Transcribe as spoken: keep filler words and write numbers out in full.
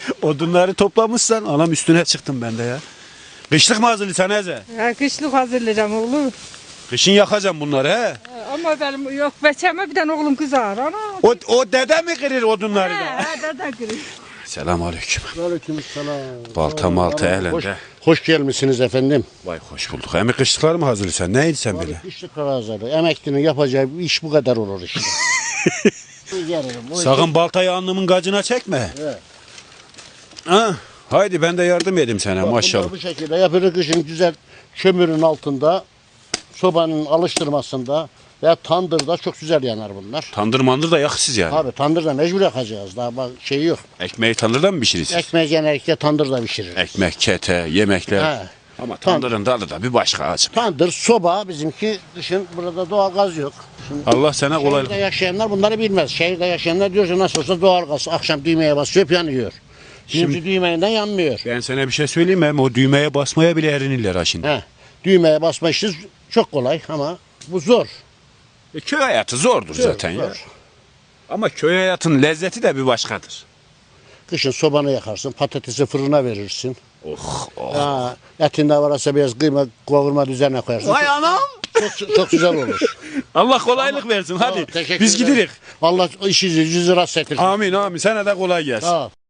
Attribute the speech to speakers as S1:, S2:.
S1: Odunları toplamışsan anam üstüne çıktım ben de ya. Kışlık mı hazırlıyorsun Eze?
S2: Ha, kışlık hazırlayacağım oğlum.
S1: Kışın yakacağım bunları he.
S2: Ama benim yok beçeme bir tane oğlum kızar. Ana.
S1: O, o dede mi kırır odunları da?
S2: He, dede kırık.
S1: Selamun aleyküm.
S3: Aleykümselam.
S1: Balta malta
S3: Hoş,
S1: elinde.
S3: hoş gelmişsiniz efendim.
S1: Vay hoş bulduk. Hem kışlıklar mı hazırlıyorsun? Neydi sen böyle?
S3: Kışlık hazırlı. Emeklinin yapacağı bir iş bu kadar olur işte. Gelirim. O
S1: Sakın baltayı alnımın gacına çekme.
S3: Evet.
S1: Ha, haydi ben de yardım edeyim sana
S3: Bak,
S1: maşallah.
S3: bunları bu şekilde yapılır kışın güzel kömürün altında, sobanın alıştırmasında veya tandırda çok güzel yanar bunlar.
S1: Tandır mandır da yaksız yani.
S3: Abi tandırda mecbur yakacağız. Daha bak şey yok.
S1: Ekmeği tandırda mı pişirirsiniz?
S3: Ekmeği genellikle tandırda pişirir.
S1: Ekmek, kete, yemekler.
S3: He.
S1: Ama tandırın tadı da bir başka acım.
S3: Tandır, soba bizimki kışın burada doğal gaz yok. Şimdi
S1: Allah sana
S3: şehirde
S1: kolaylık.
S3: yaşayanlar bunları bilmez. Şehirde yaşayanlar diyor ki nasıl olsa doğal gaz. Akşam düğmeye basıyor yanıyor. Şimdi,
S1: Şimdi-
S3: düğmeyinden yanmıyor.
S1: Ben sana bir şey söyleyeyim mi? Hem o düğmeye basmaya bile erinirler ha şimdi.
S3: He. Düğmeye basma işi çok kolay ama bu zor.
S1: E, köy hayatı zordur
S3: Zor,
S1: zaten ya.
S3: zor.
S1: Ama köy hayatının lezzeti de bir başkadır.
S3: Kışın sobanı yakarsın, patatesi fırına verirsin.
S1: Oh oh.
S3: Ha, etinde varsa biraz kıyma kavurma üzerine koyarsın.
S1: Vay anam.
S3: Çok, çok güzel olur.
S1: Allah kolaylık versin hadi.
S3: Tamam, teşekkür
S1: Biz
S3: ederim.
S1: giderik.
S3: Allah işinizi yüzü rast ettirsin.
S1: Amin amin. Sana da kolay gelsin.
S3: Sağ ol.